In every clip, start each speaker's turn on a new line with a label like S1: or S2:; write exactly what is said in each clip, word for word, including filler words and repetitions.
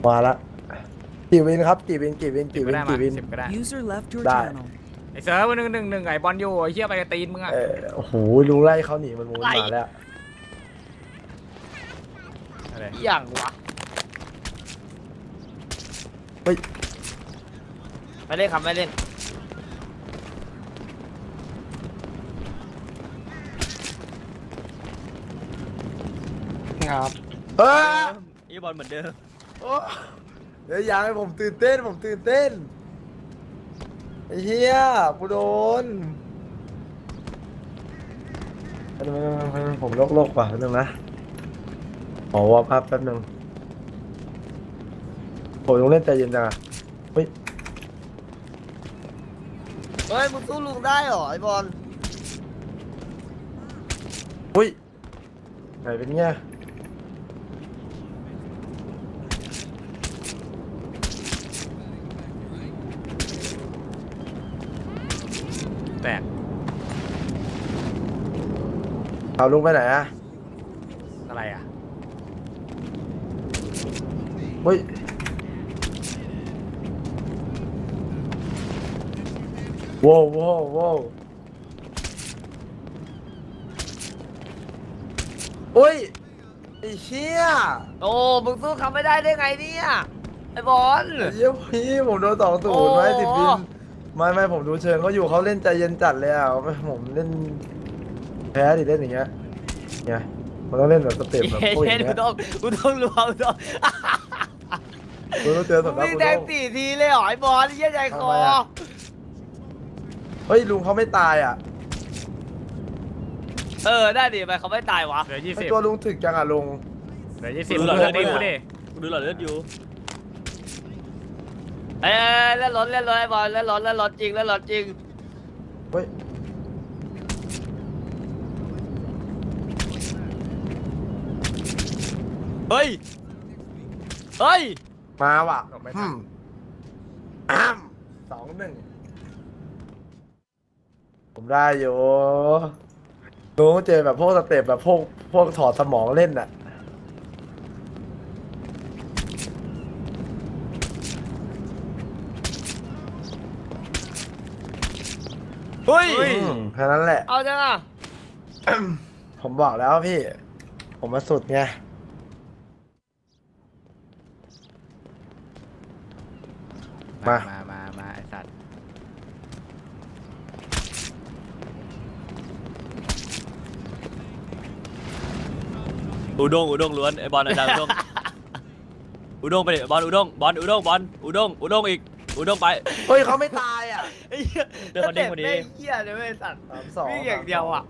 S1: มาละกี่วินครับกี่วินกี่วินกี่วิน
S2: ได้มา
S1: กี่วิน
S2: สิบก็ได้
S3: User left your
S1: Die.
S3: channel.
S2: ไอ้เซิร์ฟหนึ่งหนึ่งหนึ่งไอ้บอลอยู่ไอ้เหี้ยไปกระตีนมึงอะ
S1: เออโอ้โหลุงไล่เขาหนีมันมูนมาแล้ว
S2: อะไร
S4: อย่างวะ
S1: เฮ้ย
S4: ไม่เล่นครับไม่เล่น
S5: ครับ
S1: เฮ้ย
S4: อีบอลเหมือนเดิม
S1: โอ้เดี๋ยวอยากให้ผมตื่นเต้นผมตื่นเต้นไอ้เหี้ยกูโดนผมโลกโลกว่ะแป๊บนึงนะขอวอร์มอัพแป๊บนึงโอ้ยลุงเล่นใจเย็นจังอะเฮ้ย
S4: เฮ้ยมึงสู้ลุงได้เหรอไอบอล
S1: เฮ้ยไหนเป็นเงี้ย
S2: แตก
S1: เอาลุงไปไหนอะ
S2: อะไรอะ
S1: เฮ้ยโว้วโว้วโว้วโอ้ยไอ้เชี่ย
S4: โอ้มึงสู้เขาไม่ได้ได้ไงเนี่ยไอบอล
S1: ไอ้เยี่ยพี่ผมโดนสองศูนย์
S4: โอ้
S1: ไว้สิบวินไม่ไม่ผมดูเชิงเขาอยู่เขาเล่นใจเย็นจัดเลยอ่ะไม่ผมเล่นแพ้ดิเล่นอย่างเงี้ยเนี่ยมันต้องเล่นแบบสเต็ปแบบพวกอ
S4: เย็
S1: ย่าน ง
S4: กู
S1: เงี้ย
S4: ต้องกูต้องรู้กูต้อง
S1: กูต้องเจอ
S4: มึ
S1: สำ
S4: ง
S1: นัก
S4: วิ่ง
S1: กู
S4: แด
S1: ต้
S4: ง
S1: อง
S4: สี่ทีเลยเหรอไอบอลเยี่ยใจคอ
S1: เฮ้ยลุงเขาไม่ตายอ่ะ
S4: เออได้ดิไปเขาไม่ตายวะ
S2: เหลือยี่
S1: ไอ
S2: สิบ
S1: ตัวลุงถึกจังอ่ะลุง
S2: เหลือยี่สิบ
S4: ดู
S2: เห
S4: ห
S2: ลื
S4: ลอ
S2: อ
S4: ด
S2: ตี
S4: เลือด
S2: กูดิ
S4: กูดูหลอดเลือดอยู่เอ้ยเล่นรถเล่นรถไอบอลเล่นรถเล่นรถจริงเล่นรถจริง
S1: เฮ้ย
S4: เฮ้ยเฮ้ย
S1: มาว่ะอืมอ้ามสองหนึ่งผมได้อยู่ลุงเจอแบบพวกสเต็ปแบบพวกพวกถอดสมองเล่นอ่ะ
S4: เฮ้ย
S1: อืมแค่นั้นแหละ
S4: เอาจังอ่ะ
S1: ผมบอกแล้วพี่ ผมมาสุดไง มา
S2: มา มา มาไอ้สัตว์
S6: อุด้งอุด้งล้วนไอบอลอาจารย์อุด้งอุด้งไปดิบอลอุด้งบอลอุด้งบอลอุด้งอุด้งอีกอุด้งไป
S1: เฮ้ยเขาไม่ตายอ่ะ
S4: ไอ้เหี้ย
S6: เดินคนนี้คนนี้
S4: แม่งเหี้ยเลยเว้ยสัตว์
S1: สามสอง
S4: วิ่งอย่างเดียวอ่ะ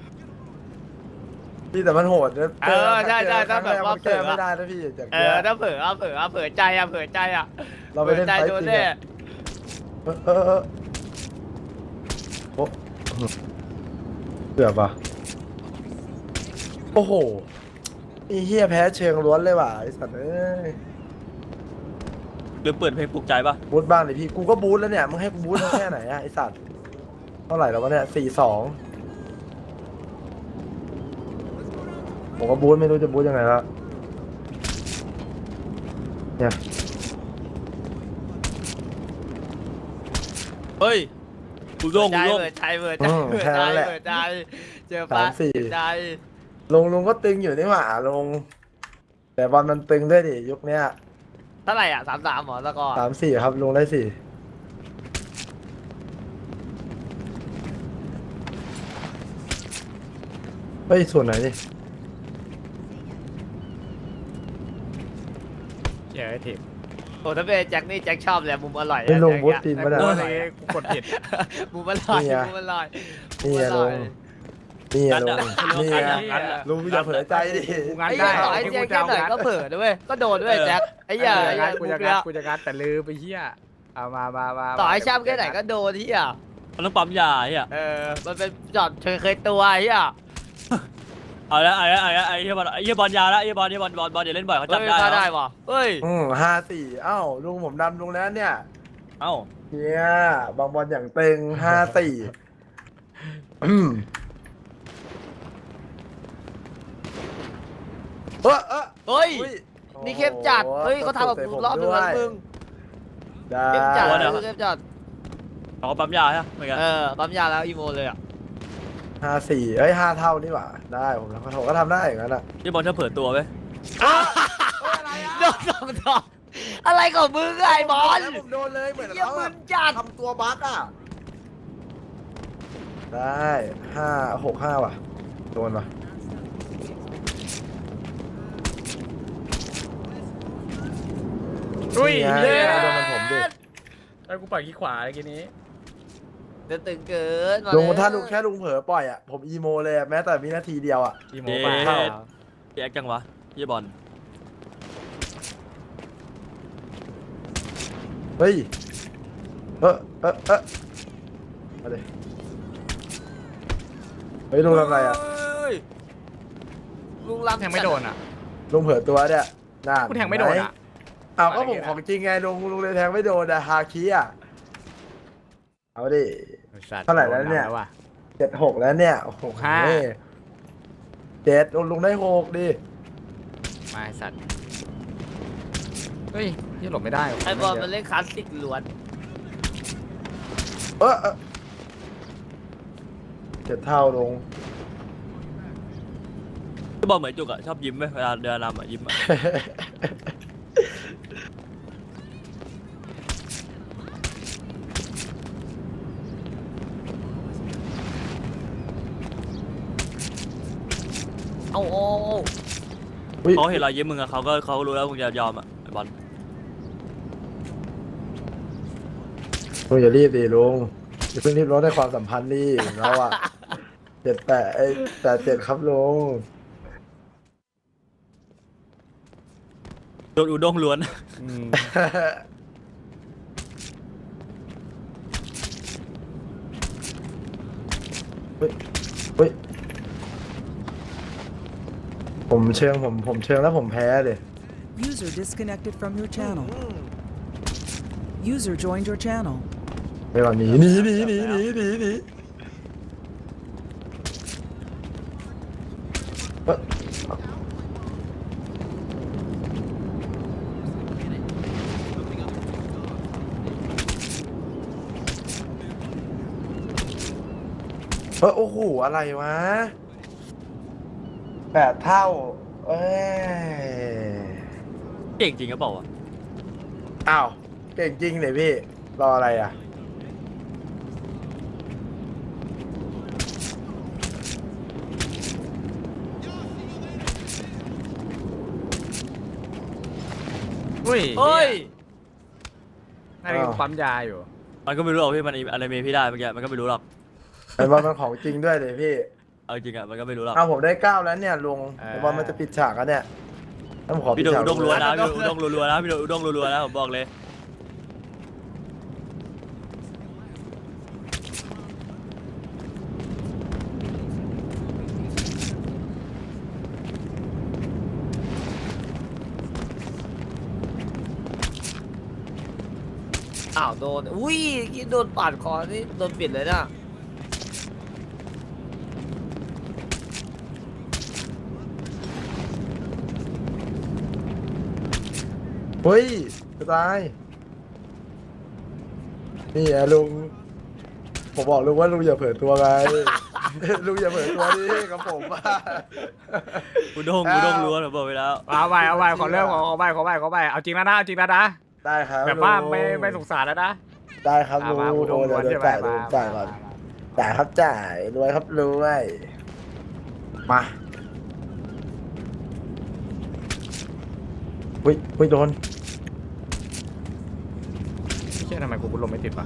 S1: พี่แต่มันโหดนะ
S4: เออใช่ใช่
S1: ครั้ง
S4: ถ้าแบบ
S1: รก
S4: ว่า
S1: มันแก้
S4: เผลอ
S1: ไม่ได้นะพี่จาก
S4: เอ
S1: เนี้
S4: อย ถ้าเผลอเอาเผลอเอาเผลอใจอ่ะเผลอใจอ่ะ
S1: เราไปเล่น
S4: ใจ
S1: ไฟ
S4: โดน
S1: จริง
S4: แน่
S1: อะเออเออเออโอ้เกือบอ่ะโอ้โหไอ้เฮียแพ้เชิงล้วนเลยว่ะไอ้สัตว์เอ้ย
S6: หรือเปิดเพลงปลุกใจปะ
S1: บูทบ้างเลยพี่กูก็บูทแล้วเนี่ยมึงให้กูบูทแค่ไหนอะไอ้สัตว์เท่าไหร่แล้ววะเนี่ยสี่สองผมก็บูทไม่รู้จะบูทยังไงแล้วเนี่ย
S6: เฮ้ยอุด้ง
S4: ใจ
S6: อุด้ง
S4: เผลอใจเผลอใจเผลอใจเผลอใจเจอปะเผลอใจ
S1: ลงลุงก็ตึงอยู่นี่หว่าลง แต่บอลมันตึงด้วยดิยุคเนี้ย
S4: เท่าไหร่อ่ะสามสามหมอแล้วก็
S1: สามสี่ครับลุงได้สี่เฮ้ยส่วนไหนดิ
S2: เหี้ยไอ้ทิพ
S4: โอ้ถ้าเป็นแจ็คนี่แจ็คชอบเลยมุมอร่อย
S1: ไม่ลง
S4: แจ็ค
S1: บูท
S4: อะ
S1: ตีน
S2: ไอ้
S1: ไม่ได้
S2: กูอะไรกูกดผิด
S4: มุมอร่อย
S1: นี่ไง
S4: มุมอร่อย
S1: นี่ไง
S4: มุมอ
S1: ลุ
S4: ร่อย
S1: งนี่ไง
S6: งัด
S1: ลุ
S6: อะ
S1: งนี่ไง
S6: งัดอะงัดอะ
S1: ลุงอย่าเผลอใจดิ
S2: กูงัด
S4: ไอ้
S2: ได้
S4: เหี้ยต่อไอ้แจ็คแค่ไหนก็เผลอด้วยก็โดนด้วยแจ็คไอ้เหี้ย
S2: กู
S4: ไอ้
S2: จะ
S4: เหี้
S2: งั
S4: ย
S2: ดกู
S4: มุ
S2: จะ
S4: ก
S2: งั
S4: เนี้
S2: ด
S4: ย
S2: กูจะงัดแต่ลืมไปเหี้ยเอามามามา
S4: ต่อไอ้ช่ำแค่ไหนก็โดนที่อ่ะ
S6: มันต้องปั๊มยาเฮีย
S4: เออมันเป็นจอดเคยเคยตัวไอ้เหี้ย
S6: เอาละเอาละเอาละไอ้เฮียบอลไอ้เฮียบอลยาละไอ้เฮียบอลเฮียบอลบอลบอลอย่าเล่นบ่อยเขา
S4: เฮ้
S6: จับ
S4: ย
S6: ได้
S4: ฆ่า
S6: เหร
S4: ได้
S6: อ
S4: ว่ะเฮ้ย
S1: อืมห้าสี่เอ้าลุงผมนำลุงแล้วเนี่ย
S6: เอ้า
S1: เนี่ยบางบอลอย่างเต็งห้าสี่อืมเออเออ
S4: เฮ้ย
S1: อุ้ยโอ้
S4: นี่เข้มจัด เฮ้ยเขาทำกับกูรอบนึงแล้วมึง
S1: ได้
S4: เข้มจัด
S6: โอ้โห
S4: เข้มจัด
S6: เขาก็ปั๊มยาใช่ไหมเหมือนกัน
S4: เออปั๊มยาแล้วอีโมเลยอ่ะ
S1: ห้าสี่เอ้ยห้าเท่านี่หว่าได้ผมแล้วผมก็ทำได้อย่างนั้นอ่ะ
S6: พี่บอลชอบเผลอตัวไหม
S4: โดนสองดอกอะไรของมึงอะไอ้บอล
S1: ผมโดนเลยเหมือน
S4: เยี่ย
S1: เขา
S4: มึ
S1: แบ
S4: น
S1: บ
S4: จัด
S1: ทำตัวบั๊กอ่ะได้ห้าหกห้าว่ะโดนว่ะ
S2: อุ้ย
S1: นี่ไง
S2: เย้
S1: โดนมันผมดิ
S2: แล้วกูปล่อยขี้ขวาเมื่อกี้นี้
S4: เดี๋ยวตึงเกินม
S1: ลุง
S4: เลย
S1: ถ้าลุงแค่ลุงเผลอปล่อยอ่ะผมอีโมเลยอะแม้แต่วินาทีเดียวอ่ะ
S2: อีโม
S6: เย้
S2: ไป
S6: พี่แอคจังวะพี่บอล
S1: เฮ้ยเออเออเออมาเลยเฮ้ยลุงทำอะไรอ่ะ
S4: เฮ้ยลุงลำ
S2: แทงไม่โดนอ่ะ
S1: ลุงเผลอตัวเนี่ยน่า
S2: กูแทงไม่โดนอ่ะ
S1: เอาก็ผมของจริงไงลุงลุงเลยแทงไม่โดนอะฮาคิอ่ะเอาดิ เท่าไหร่แล้วเนี่ย
S2: ว่ะ
S1: เจ็ดหกแล้วเนี่ยโอ้โห
S2: ห้า
S1: เจ็ดลุงลุงได้หกดิ
S2: มาไอ้สัตว์เฮ้ยยี่หลบไม่ได้ว่ะ
S4: ไอ้บอลมันเล่นคลาสสิกล้วน
S1: เออเออเจ็ดเท่าลง
S6: พี่บอลเหมือนจุกอะชอบยิ้มไหมเวลาเดินนำอะยิ้มอะ
S4: เอาโอ้
S1: อุ๊ย
S6: เขาเห็นรอยยิ้มมึงอะเขาก็เขารู้แล้วมึงจะยอมอะไอ้บอล
S1: ลุงอย่ารีบดิลุงอย่าเพิ่งรีบร้อนในความสัมพันธ์ดิเราอะเจ็ดแปดไอ้แปดเจ็ดครับลุง
S6: โดนอุด้งล้วน
S2: อืม
S1: เฮ้ยเฮ้ยผมเชิงผมผมเชิงแล้วผมแพ้เลย
S3: User disconnected from your channel. User joined your channel.
S1: ไปก่อนหนีหนีหนีหนีหนีหนีหนีเอ้ยเฮ้ยโอ้โหอะไรวะแปดเท่าเอ้ย
S6: เก่งจริงก็บอกว่าวะ
S1: อ้าวเก่งจริงเลยพี่ รออะไรอ่ะ
S2: อุ้ย
S6: เฮ้ย
S2: น่าจะกูปั๊มยาอยู่
S6: มันก็ไม่รู้หรอกพี่มันอะไรเมย์พี่ได้เมื่อกี้มันก็ไม่รู้หรอก
S1: ไอ้บอลมันของจริงด้วยเลยพี่
S6: เอาจริงอะมันก็ไม่รู้หรอก
S1: เอาผมได้เก้าแล้วเนี่ยลุง
S2: เออ
S1: ไอ้บอลมันจะปิดฉากแล้วเนี่ยถ้าผมขอปิ
S6: พี่
S1: ด
S6: โดน
S1: ฉาก
S6: อุด้งล้วนนะ
S1: ลุ
S6: พี่โดนอุด้งรัวๆนะพี่โดนอุด้งรัวๆนะผมบอกเลย
S4: อ้าวโดน อุ้ยกินโดนปาดคอนี่โดนปิดเลยนะ
S1: เฮ้ยจะตายนี่ไงลุงผมบอกลุงว่าลุงอย่าเผลอตัวไง ลุงอย่าเผลอตัวดิกับผมว่า
S6: อุด้งอุด้งล้วนผมบอกไปแล้ว
S2: เอาไปเอาไปขอเริ่มขอขอไปขอไปขอไปเอาจริงแล้วนะเอาจริงแล้วนะ
S1: ได้ครับ
S2: แบบว่า
S1: ลุง
S2: ไม่ไม่สงสารแล้วนะ
S1: ได้ครับ
S2: อ่ะ
S1: ลุง
S2: มาอุด้
S1: โอ้
S2: ง
S1: เดี๋ยว
S2: ล้วน
S1: เดี๋ยว
S2: ใช่
S1: จ่าย
S2: ไหม
S1: ลุง
S2: มา
S1: จ่ายก่อนจ่ายครับจ่ายรวยครับรวยมาอุ้ยอุ้ยโดน
S2: เชื่อทำไมกูบุญลมไม่ติดวะ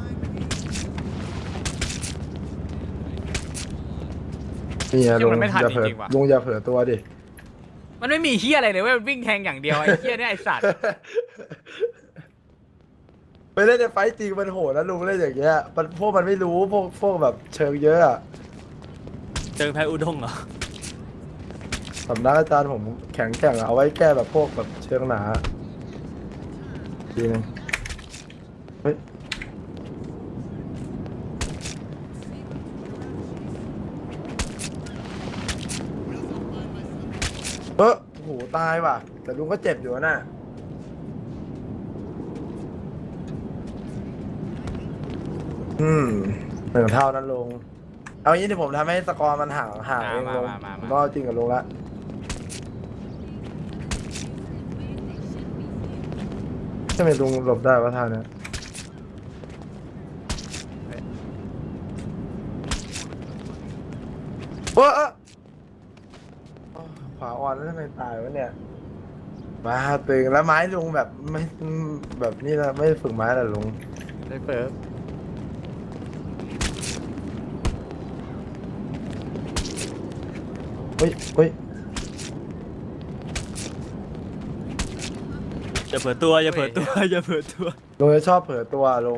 S1: นี่ไง
S2: เชื่
S1: ลุ
S2: อง มันไม่ทัน
S1: อย่าเผลอ
S2: จริงๆว่ะ
S1: ลุงอย่าเผลอตัวดิ
S2: มันไม่มีเฮียอะไรเลยเว้ยมันวิ่งแทงอย่างเดียวไอ้เฮียเนี่ยไอ้สัตว์
S1: ไปเล่นในไฟต์จริงมันโหดนะลุงเล่นอย่างเงี้ยมันพวกมันไม่รู้พวกพวกแบบเชิงเยอะอะ
S6: เจอแพ้อุด้งเหรอ
S1: สำนักอาจารย์ผมแข็งแกร่งอะเอาไว้แก้แบบพวกแบบเชิงหนาทีนึงเฮ้ยเออโอ้โหตายว่ะ แต่ลุงก็เจ็บอยู่นะอืมหนึ่งเท่านั้นลุงเอางี้ที่ผมทำให้สกอร์มันห่างห่างเองลุงผมก็จริงกับลุงละทำไมลุงหลบได้วะท่าเนี้ยโอ้เอ้อขวาอ่อนแล้วทำไมตายวะเนี่ยมาตึงแล้วไม้ลุงแบบไม่แบบนี้นะไม่ฝึกไม้ละลุง
S2: ได้เปิด
S1: เฮ้ยเฮ้ย
S6: อย่าเผลอตัวอย่าเผลอตัวอย่าเผลอตัว
S1: ลุงจะชอบเผลอตัวลุง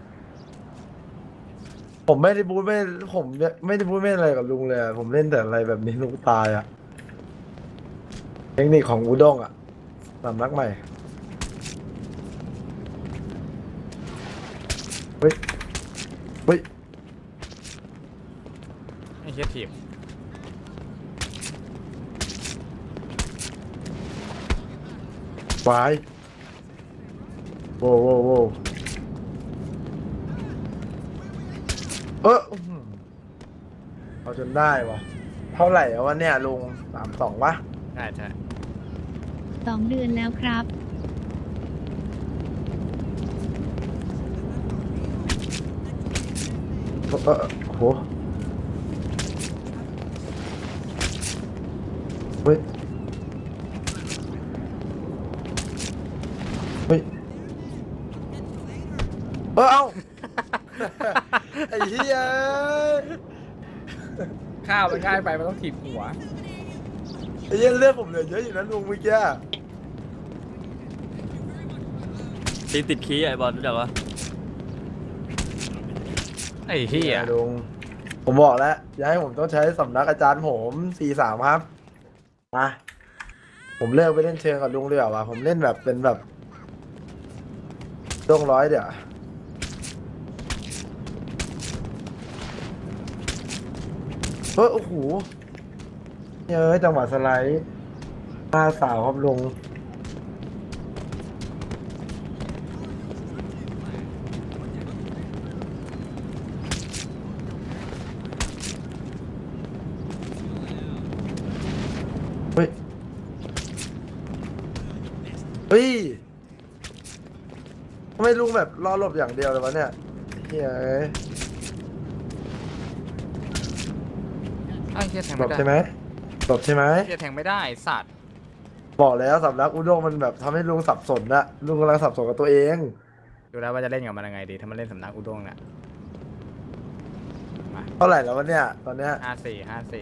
S1: ผมไม่ได้พูดไม่ผมไม่ได้พูดไม่อะไรกับลุงเลยอะผมเล่นแต่อะไรแบบนี้ลุงตายอ่ะเทคนิคของอูด้งอ่ะสำนักใหม่เฮ้ยเฮ้ย
S2: ไม่เชียทีม
S1: วายโว้วโว้วโว้วเอออื้อหือเอาจนได้วะเท่าไหร่แล้ววะเนี่ยลุงสามสองวะ
S2: ใช่ใช่
S5: สองเดือนแล้วครับ
S1: เออเออโอ้โหเฮ้ยเฮ้ยเออเอา ไอ้เหี้ย
S2: ข้าวมันง่ายไปมันต้องถีบหัว
S1: ไอ้เหี้ยเลือดผมเหลือเยอะอยู่นะลุงเมื่อกี้
S6: ตีติดขี้ไอ้บอลรู้จักปะ
S2: ไอ้เหี้ย
S1: ลุงผมบอกแล้วอย่าให้ผมต้องใช้สำนักอาจารย์ผมสี่สามครับมาผมเลิกไปเล่นเชิงกับลุงเลยเหรอวะผมเล่นแบบเป็นแบบต้องร้อยเดี๋ยวเฮ้ยโอ้โหเยอะจังหวะสไลด์มาสาวครับลุงเฮ้ย เฮ้ยทำไมลุงแบบรอหลบอย่างเดียวเลยวะเนี่ยเฮ้ย
S2: ไอ้เหี้ยแทง
S1: หล
S2: ไม่
S1: บ
S2: ได้
S1: ใช่ไหมหลบใช่ไหม
S2: เหี้ยแทงไม่ได้ไอ้สัตว์
S1: บอกแล้วสำนักอุด้งมันแบบทำให้ลุงสับสนนะลุงกำลังสับสนกับตัวเอง
S2: ดูแล้วว่าจะเล่นกับมันยังไงดีถ้ามันเล่นสำนักอุด้งเนี่ย
S1: เท่าไหร่แล้ววะเนี่ย ตอนเนี้ย
S2: ห้าสี่ห้าสี่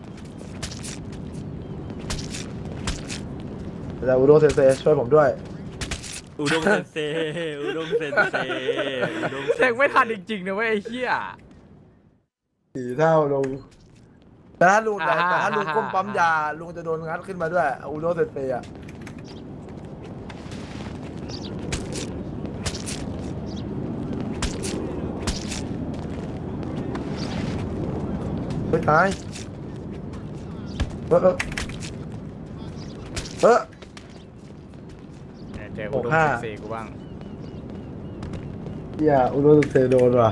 S1: แต่อุด้งเซนเซช่วยผมด้วย
S6: อุด้งเซนเซอุด้งเซนเซอุด้งเซนเซ
S2: แทงไม่ทันจริงๆนะเว้ยไอ้เหี้ย
S1: สี่เท่าลุงแต่ถ้าลุงแต่
S2: อ่าฮะ
S1: แต่ถ้าลุงก้ม
S2: อ่าฮะ
S1: ปั๊มยาลุงจะโดนงัดขึ้นมาด้วยอุด้งเซนเซอะเฮ้ยตายเออเออเออ
S2: เจออุด้ง
S1: หกห้า
S2: สี่กูบ้าง
S1: อย่าอุโรสเซโดนว่ะ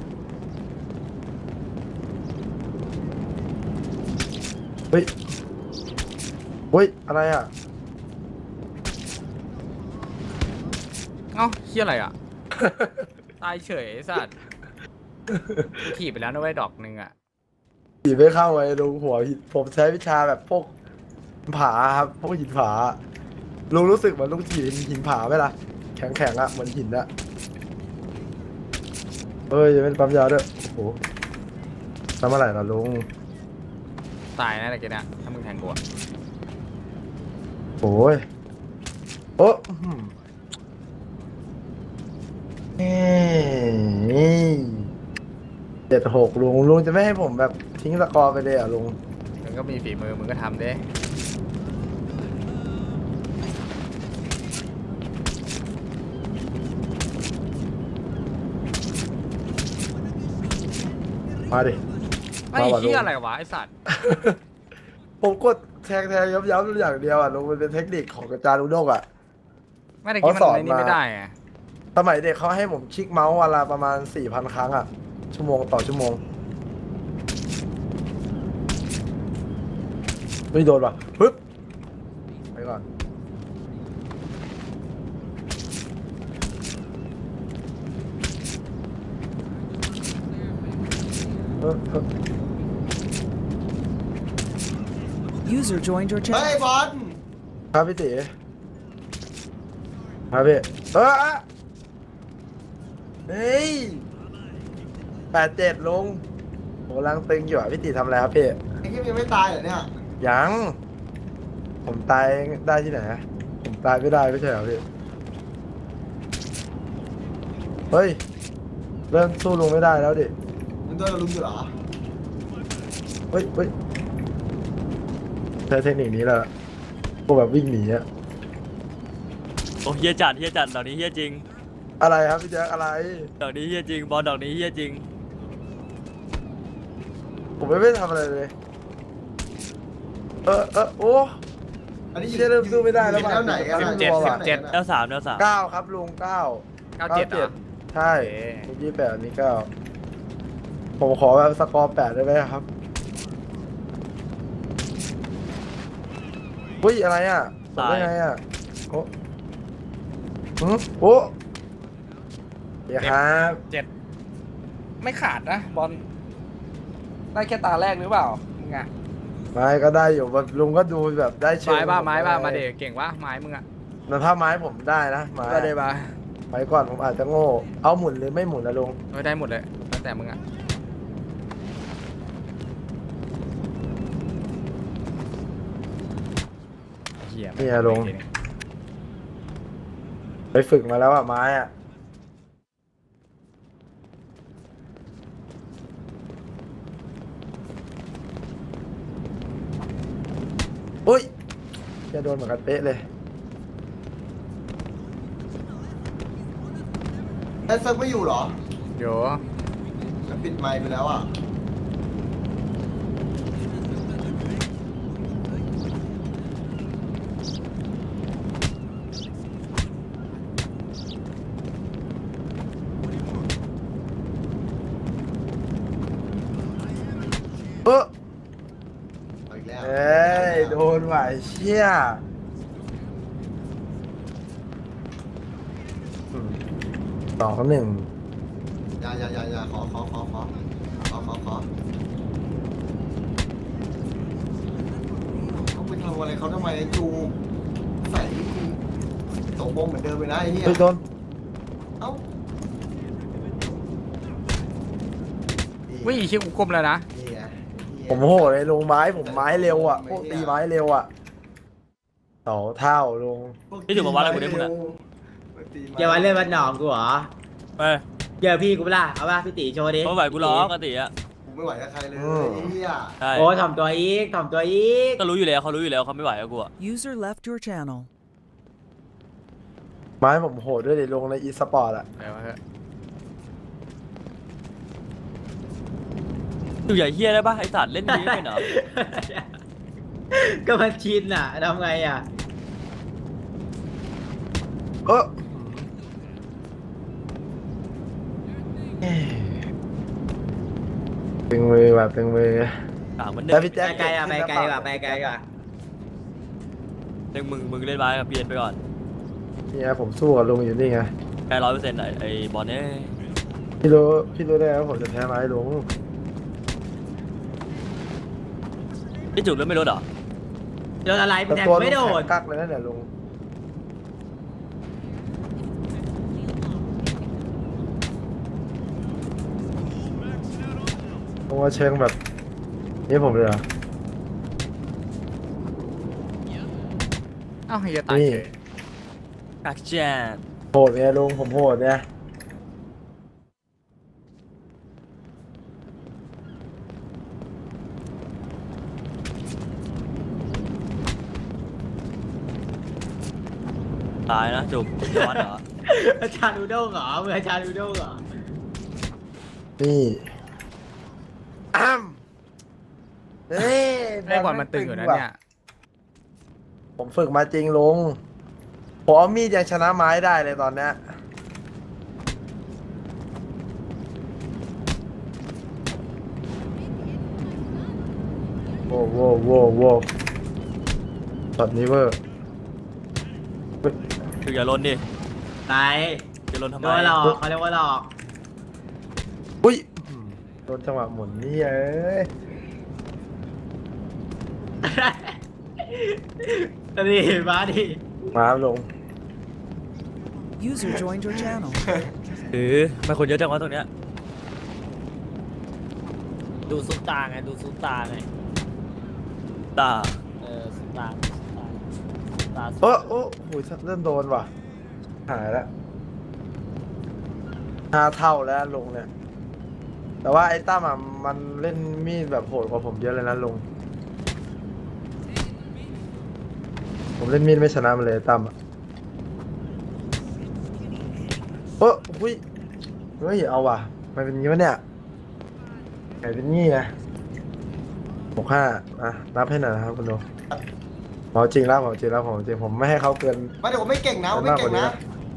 S1: เฮ้ยเฮ้ย อะไรอ่ะ
S2: เอ้าเหี้ยอะไรอ่ะ ตายเฉยไอ้สัตว์ถีบไปแล้วนะเว้ยดอกหนึงอ่ะ
S1: หินไม่เข้าไอ้ลุงหัวหินผมใช้วิชาแบบพวกผาครับ พวกหินผา ลุงรู้สึกเหมือนลุงถีบหินผาไหมล่ะ แข็งแข็งๆอะเหมือนหินอะเอ้ยยังเป็นปั๊มยาด้วย โอ้โหทำอะไรล่ะลุง
S2: ตายนะตะกี้เนี่ยถ้ามึงแทงกูอะ
S1: โอ้ย โอ้อื้อหือเฮ้ยเจ็ดหกลุงลุงจะไม่ให้ผมแบบทิ้งสกอร์ไปเลยเหรอ่ะลุง
S2: มึงก็มีฝีมือมึงก็ทำเด้
S1: มาดิ
S2: ไอ้
S1: มาว่ะลุง
S2: เหี้ยอะไรวะไอ้สัตว์
S1: ผมกดแทงแทงย้ำย้ำอย่างเดียวอ่ะลุงมันเป็นเทคนิคของอาจารย์อุด้งอ่ะ
S2: ไม่ได้กินมัน
S1: เขาสอน
S2: ในนี้
S1: มา
S2: ไม่ได้อะ
S1: สมัยเด็กเขาให้ผมคลิกเมาส์วันละประมาณสี่พันครั้งอ่ะ ชั่วโมงต่อชั่วโมงไม่โดนป่ะปึ๊บไปก่อนเออเออ
S3: User joined your
S7: เฮ้ย
S3: channel.
S7: บอล
S1: ครับพี่ตีครับพี่เออเฮ้ยแปดเจ็ดลงโหลังตึงอยู่อ่ะพี่ตีทำอะไรครับพี่
S7: ไอ้ที่ยังไม่ตายเหรอเนี่ย
S1: ยัง ผมตายได้ที่ไหนอะผมตายไม่ได้ไม่ใช่เหรอพี่ เฮ้ย เริ่มสู้ลุงไม่ได้แล้วดิ
S7: มึงโดนลุมอยู่เหรอ
S1: เฮ้ยเฮ้ยใช้เทคนิคนี้แหละพวกแบบวิ่งหนีอะ
S6: โอ้เฮียจัดเฮียจัดดอกนี้เฮียจริง
S1: อะไรครับพี่แจ๊คอะไร
S6: ดอกนี้เฮียจริงบอลดอกนี้เฮียจริง
S1: ผมไม่ได้ทำอะไรเลย เออเออโอ้
S7: อันนี้
S1: เชี่ยเริ่มสู้ไม่ได้แล้ว
S7: อยู่
S1: ว่ะ
S7: แนวไหนกัน
S1: สิ
S7: อะ
S1: บเจ็ด
S7: อยู่
S1: สิบเจ็ด
S7: แนวไหน
S6: แล้
S7: กัน
S6: วสามแล้วสาม
S1: เก้าครับลุงเก้า
S2: เก้าเจ็ดเหรอ
S1: ใช่
S2: โอเค
S1: ลุงยี่แปดอันนี้เก้าผมขอแบบสกอร์แปดได้ไหมครับอุ้ยอะไรอ่ะทำได้ไงอ่ะโอ้หืมโอ้เดี๋ยวครับ
S2: เจ็ดไม่ขาดนะบอลได้แค่ตาแรกหรือเปล่ามึงอะ
S1: ไม้ก็ได้อยู่แบบลุงก็ดูแบบได้เชิง
S2: ไม้บ้าไม้บ้ามาเด็กเก่งวะไม้มึงอะ
S1: แต่ถ้าไม้ผมได้นะไม้
S2: ก็ได้บ้า
S1: ไม้ก่อนผมอาจจะโง่เอาหมุนหรือไม่หมุนนะลุง
S2: เออได้หมดเลยแล้วแต่มึงอะเหี้ย
S1: เนี่ยลุงไปฝึกมาแล้วอ่ะไม้อ่ะอุ้ยจะโดนเหมือนกันเป๊ะเลย
S7: ไอ้เซิร์ฟไม่อยู่เหรอ
S2: เดี๋ยว
S7: มันปิดไมค์ไปแล้วอ่ะ
S1: เออ
S7: เอาอีกแล้ว
S1: เอ้ยโดนว่ะไอ้เชี่ยอืมสองหนึ่ง
S7: อย่าอย่าอย่าอย่าขอขอขอขอขอขอขอเขาไปทำอะไรเขาทำไมไอ้จูใส่กูตกบงเหมือนเดิมเลยนะไอ้เนี่ย
S1: เฮ้ยโดน
S7: เอ้า
S2: วิ่งอีกชิ้นกูกลมแล้วนะ
S7: นี่ไงนี่ไง
S1: ผมโหดเลยลงไม้ผมไม้เร็วอ่ะพวกตีไม้เร็วอ่ะต่อเท่าลง
S6: นี่ถือมาวัดอะไรกูได้มึงอะ
S8: อย่ามาเล่นวันหนองกูเหรอ
S6: เอ้ย
S8: เจอพี่กูเปะล่าเอาป่ะพี่ตีโชว์ดิ
S6: เพราะไหวกูร้องกติอ่ะ
S7: ผมไม่ไหวกับใครเลย
S1: อืม
S7: ไอ้เหี้ย
S6: ใช่
S8: โอ้ถ่อมตัวอีกถ่อมตัวอีก
S6: ก็รู้อยู่แล้วเขารู้อยู่แล้วเขาไม่ไหวกับกูอะ
S3: User left your channel.
S1: ไม้ผมโหดด้วยเดี๋ยวลงในอีสปอร์ตอ่ะ
S2: เดี๋ยวมาเถอะ
S6: อยู่ใหญ่เฮียได้ปะไอสัตว์เล่นนี้เป็นเหรอ
S8: ก็มันชินอ่ะทำไงอ่ะ
S1: เออตึงมือว่ะตึงมือ
S6: ต่างมันเดิ
S1: แล้ว
S6: ม
S1: พี่
S8: ไป
S1: แจ๊ค
S8: ไกลอ่ะไปไกลดีกว่าไปไกลดีกว่า
S6: เด็กมึงมึงเล่นไม้กับเบียนไปก่อน
S1: เนี่ยผมสู้กับลุงอยู่นี่ไง
S6: แพ้ร้อยเปอร์เซ็นต์ไอไอบอลเนี่ย
S1: พี่รู้พี่รู้ได้ไงว่าผมจะแพ้ไม้ลุง
S6: พี่จุกเล่นไม่ลดเหรอ
S8: โดนอะไรมึ
S1: แต่
S8: งแทง
S1: ตัว
S8: กู
S1: ลุ
S8: ไม่
S1: ง
S8: โด
S1: แข็
S8: น
S1: งกักเลยนะเนี่ยลุงลุงว่าเชิงแบบนี่ผมเลยเหรอ
S2: เอ้าเฮียตาย
S1: นี่
S2: เฉย
S6: กักแจน
S1: โหดเนี่ยลุงผมโหดเนี่ย
S6: ตายนะจุกย้อนเหรอ
S8: อาจารย์อูด้งเหรอมืออาจารย์อูด้งเหรอ
S1: นี่อ้ำเฮ้ย
S2: ไอ้บอลมันตึงอยู่นะเนี่ย
S1: ผมฝึกมาจริงลุงผมเอามีดยังชนะไม้ได้เลยตอนเนี้ยโว้โว้โว้โว้ตอนนี้เวอร์
S6: คืออย่าลนดิ
S8: ไหน
S6: อย่าลนทำ
S8: โด
S6: ไม
S8: นหลอกเขาเรียกว่าหลอก
S1: อุ้ยโดนจังหวะหมุนนี่เอ้ย
S8: นี่มาดิ
S1: มาลง
S3: User joined your channel.
S6: หรือไม่คนเยอะจังวะตรงเนี้ย
S4: ดูซุปตาไงดูซุปตาไง
S6: ตา
S4: เออซุปตาซุปตาซุปตา
S1: โอ้โอ้โหเริ่มโดนว่ะ หายแล้วห้าเท่าแล้วลุงเนี่ย แต่ว่าไอ้ตั้มอ่ะมันเล่นมีดแบบโหดกว่าผมเยอะเลยนะลุง ผมเล่นมีดไม่ชนะมันเลยไอ้ตั้มอ่ะโอ้หุ้ยเฮ้ยเอาว่ะมันเป็นงี้วะเนี่ยไงเป็นงี้ไงหกห้าอ่ะนับให้หน่อยนะครับคุณลุงหมอจริงแล้วหมอจริงแล้วหมอจริงผมไม่ให้เขาเกิน
S7: ไม่เดี๋ยวผมไม่เก่งนะผมไม่เก่งนะ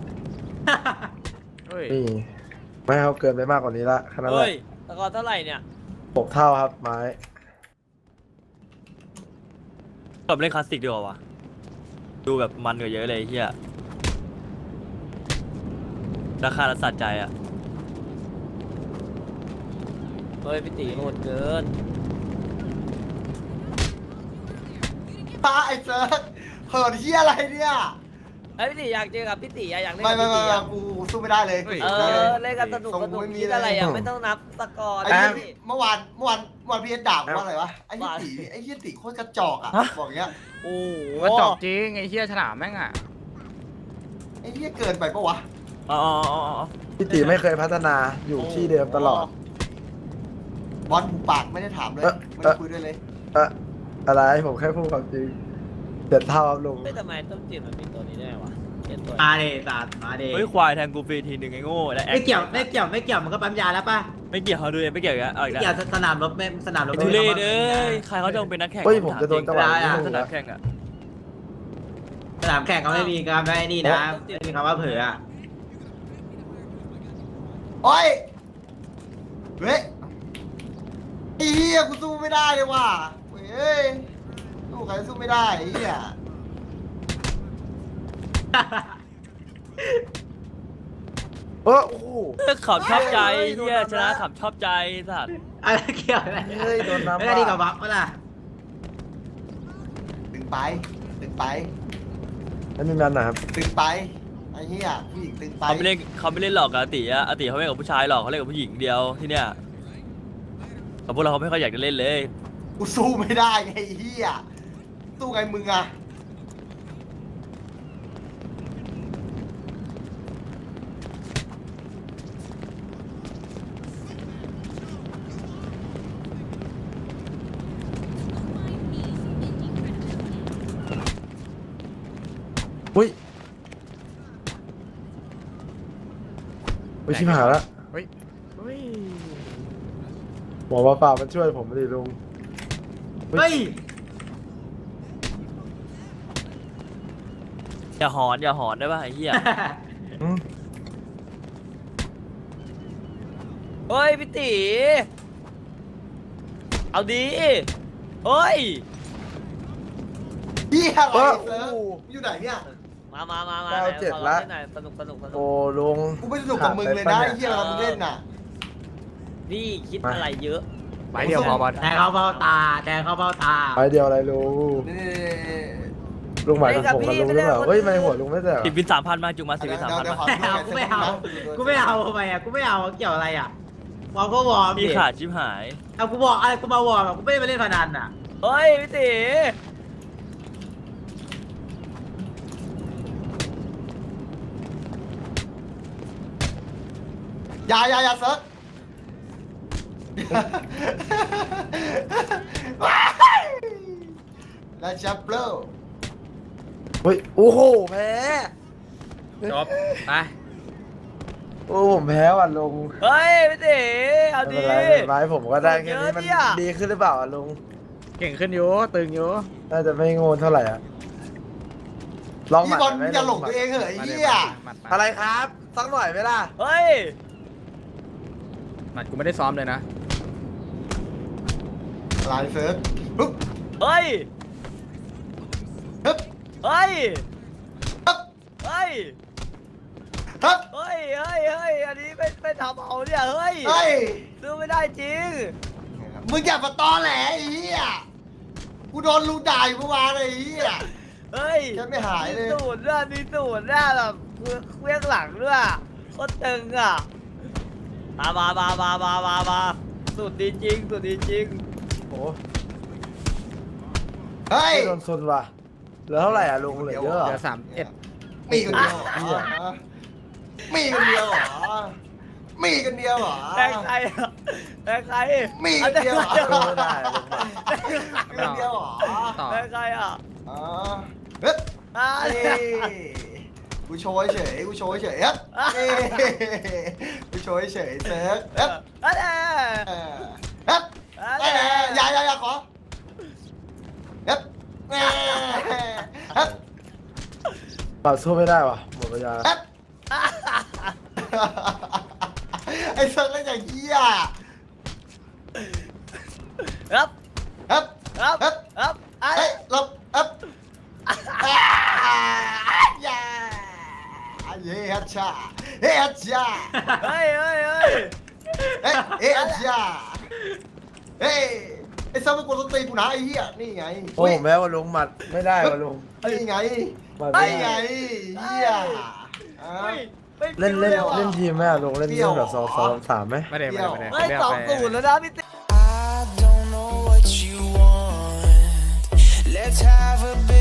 S2: เฮ้ย
S1: นี่ไม่ให้เขาเกินไปมากกว่านี้ละแค่นั้นแห
S4: เฮ้
S1: ละ
S4: ยตะกอนเท่าไหร่เนี่ย
S1: หกเท่าครับไม้
S6: แบบเล่นคลาสสิกดีกว่าวะดูแบบมันกว่าเยอะเลยไอ้เฮียราคาละสัตว์ใจอ่ะ
S4: เฮ้ยพี่ตีโหดเกิน
S7: ตาไอ้เซิร์ฟเหินเฮียอะไรเนี่ย
S4: เฮ้ยพี่ตีอยากเจอกับพี่ตีอะอยากเล่น
S7: ไม่
S4: กับ
S7: ไม่
S4: พี่
S7: ไม่
S4: ตีอะ
S7: กูสู้ไม่ได้เลย
S4: เออเล่นกันสนุกสนุกคิดอะไรอะไม่ต้องนับตะกอน
S7: ไอ้เหี้ยเมื่อวานเมื่อวานเมื่อวานพี่เอ็ดด่าผมว่าอะไรวะไอ้เหี้ยตีไอ้เหี้ยตีโคตรกระจอกอ่ะบอกอย่างเงี้ย
S4: โอ้โห
S2: กระจอกจริงไอ้เฮียฉลามแม่งอ่ะ
S7: ไอ้เหี้ยเกินไปปะวะ
S6: อ๋ออ๋ออ๋ออ๋อ
S1: พี่ตีไม่เคยพัฒนาอยู่ที่เดิมตลอด
S7: บอลหูปากไม่ได้ถามเลย
S1: เอ๊ะ
S7: ไม่ได้คุยด้วยเลย
S1: เอะอะไรผมแค่พูดความจริงเจ็ดเท่าครับลุง
S4: เฮ้ยทำไมต้มจืดมันมีตัวนี้ได้วะเขียนตัว
S8: มาดิสัตว์มาดิ
S6: เฮ้ยควายแทงกูฟรีทีหนึ่งไอ้โง่และแอค
S8: ไม่เกี่ยวไม่เกี่ยวไม่เกี่ยวมันก็ปั๊มยาแล้วป่ะ
S6: ไม่เกี่ยวเขาดูเลยไม่เกี่ยวกันเอาอีก
S8: ไม่
S6: แล้ว
S8: เกี่ยวสนามรบไม่สนามรบ
S6: ไอ้ทุเรศเอ้ยใครเขาจะมาเป็นนักแข่ง
S1: เฮ้ยผมจะโดนจังหวะ
S8: ได้
S1: นี้
S8: อะ
S1: ลุง
S6: สนา
S1: นะ
S6: มแข่งอ่ะ
S8: สนามแข่งเขาไม่มีการได้นี่นะไม่มีคำว่าเผื่ออะ
S7: โอ้ยเฮ้ยไอ้เหี้ยกูสู้ไม่ได้เลยว่ะเฮ้ยสู้ใครสู้ไม่ได้ไอ้เหี้ย
S1: เออโอ้โห
S6: ขำชอบใจเฮียชนะขำชอบใจสัตว์
S8: อะไรเกี่ยวอะไร
S1: เฮ้ยโดนน้ำ
S8: ไม่ได้ดีกับบัฟเมื่อล่ะ
S7: ตึงไปตึงไป
S1: แล้วมีมันนะครับ
S7: ตึงไปไอ้เหี้ยผู้หญิงตึงไป
S6: เขาไม่เล่นเขาไม่เล่นหรอกกับอาติอะอาติเขาไม่เล่นกับผู้ชายหรอกเขาเล่นกับผู้หญิงเดียวที่เนี้ยแต่พวกเราเขาไม่ค่อยอยากจะเล่นเลย
S7: กูสู้ไม่ได้ไงไอ้เหี้ยสู้ไงมึงอะ
S1: อุ้ยอุ้ยชิบหายแล้ว
S2: เฮ้ยเฮ้ย
S1: หมอมาป่ามันช่วยผมไม่ดีลุง
S8: เฮ้ย
S6: อย่าหอนอย่าหอนได้ป่ะไอ้เหี้ย
S1: อืม
S4: เฮ้ยพี่ตีเอาดีเฮ้ย
S7: เหี้ยอะไร
S1: เออ
S7: เซิร์ฟ
S1: โอ้
S7: อยู่ไหนเนี่ย
S4: มามามามา
S1: เก้าเจ็ด
S4: ขอ
S1: ละ
S4: เล่นหน่อยสนุกสนุกสนุ
S1: โอ้
S4: ก
S1: ลุง
S7: กูไม่สนุกกับมึงเลยนะไอ้เหี้ยเรามึงเล่นน่ะ
S4: นี่คิดอะไรเยอะ
S2: ไปเดียวพอบอล
S8: แทงเขาเบ้าตาแทงเขาเบ้าตา
S1: ไปเดียวอะไรลุง
S7: นี่
S1: ลุงหมายถึงผมกับลุงหรือเปล่าเฮ้ยไม่หัวลุงไม่แต่
S6: สิบวินสามพันมาจุงมาสิบ
S7: เดี๋
S6: วิ
S7: ยวน
S6: สามพัน
S7: เดี๋ยว
S6: มา
S7: ขอ
S8: ไม่เอากูไม่เอากูไม่เอาทำไมอ่ะกูไม่เอาเกี่ยวอะไรอ่ะวอร์มก็วอร์ม
S6: พี่
S8: ดิ
S6: ขาดชิบหาย
S8: เอากูบอกอะไรกูมาวอร์มอะกูไม่ได้มาเล่นพนันอ่ะ
S4: เฮ้ยพี่ตี
S7: อย่าอย่าอย่าเซิร์ฟแล้วจับเปล่า
S1: เฮ้ยโอ้โหแพ้
S2: จบไป
S1: โอ้ผมแพ้ว่ะลุง
S4: เฮ้ยพี่ตีเอา
S1: ไม่
S4: ดี
S1: เป็นไรไม่เป็นไรผมก็ได้แค่นี้มัน
S4: เยอะเนี่ย
S1: ดีขึ้นหรือเปล่าอะลุง
S2: เก่งขึ้นอยู่ตึงอยู่
S1: น่าจะไม่โง่เท่าไหร่อ่ะลองหมั
S7: พี่
S1: ด
S7: บอล
S1: ไหม
S7: อย่าหลงตัวเองเหอะไอ้
S2: มาดิ
S7: เหี้ย
S2: หมัดหมัด
S1: อะไรครับสักหน่อยไหมล่ะ
S6: เฮ้ย
S2: หมัดกูไม่ได้ซ้อมเลยนะ
S7: ลายเซิร์ฟปึ๊บ
S6: เฮ้ย
S7: ปึ๊บ
S6: เฮ้ย
S7: ปึ๊บ
S6: เฮ้ย
S7: ปึ๊บ
S6: เฮ้ย เฮ้ย เฮ้ย อันนี้ไม่ไม่ทำเอาเนี่ย เฮ้ย
S7: เฮ้ย
S6: ซื้อไม่ได้จริง
S7: มึงอย่ามาตอแหลไอ้เหี้ยกูโดนลุงด่าอยู่เมื่อวานเลยไอ้เหี้ย
S6: เฮ้ย
S7: ฉันไม่หายเลย
S6: มีสูตรด้วยมีสูตรด้วยแบบเครื่องหลังด้วยโคตรตึงอ่ะมามามามามามามาสูตรดีจริงสูตรดีจริง
S1: โอ้
S7: เฮ้ย
S1: ไม่โดนซุนว่ะเหลือเท่าไหร่อ่ะลุงเหลือเยอะเหรอ
S2: เดี๋ยวสามเอ็ด
S7: มีคนเดียวเหรอมีคนเดียวเหรอมีคนเดียวเหรอ
S6: แพ้ใครอ่ะแพ้ใคร
S7: มีคนเดียวเหรอ
S1: สู้ไม่ได้ลุงว่ะ
S7: มีคนเดียวเหรอ
S2: ต่อ
S6: แพ้ใครอ่ะ
S7: อ๋อเฮ้ย
S6: อ่า
S7: เอ้ยกูโชว์เฉยกูโชว์เฉยครับเอ้ยกูโชว์เฉยเซิร์ฟครับ
S6: อันนี้
S7: ครับเอ้ยอย่าอย่าอย่าขอครับเอ้ยครับ
S1: ปรับสู้ไม่ได้ว่ะหมดเวลา
S7: ครับไอ้เซิร์ฟเล่นอย่างเหี้ย
S6: ครับ
S7: ครับ
S6: ครับ
S7: ครับ
S6: ครับไอ้
S7: เฮ้ยหลบครับอย่าเฮ้ยฮัชชาเฮ้ยฮัชชา
S6: เฮ้ยเฮ้ยเฮ้ย
S7: เฮ้ยเฮ้ยฮัชชาเฮ้ยไอ้เซิร์ฟมันกดสตรีกูนะไอ้เหี้ยนี่ไง
S1: โอ้แม้ว่าลุงหมัดไม่ได้ว่ะลุง
S7: นี่ไง
S1: หมัด
S7: ไอ้
S1: ไม่
S7: ไง
S1: ได้
S7: เหี้ย
S6: เฮ้ยไม่
S1: เล่นเล่น
S6: ฟิวอะ
S1: เล่นทีมไหมอ่ะลุงเล่น
S7: เปรี้
S1: เล่
S7: ยวน
S1: แบบสอง
S7: เหรอ
S1: สองสามไหม
S2: ไม่ได้ไม่ได้ไม่ได้
S6: เฮ้ย
S2: ไม่ได้
S6: สอง
S2: ไป
S6: ศูนย์แล้วนะพี่ติ๊ก
S9: I don't know what you want. Let's have a bit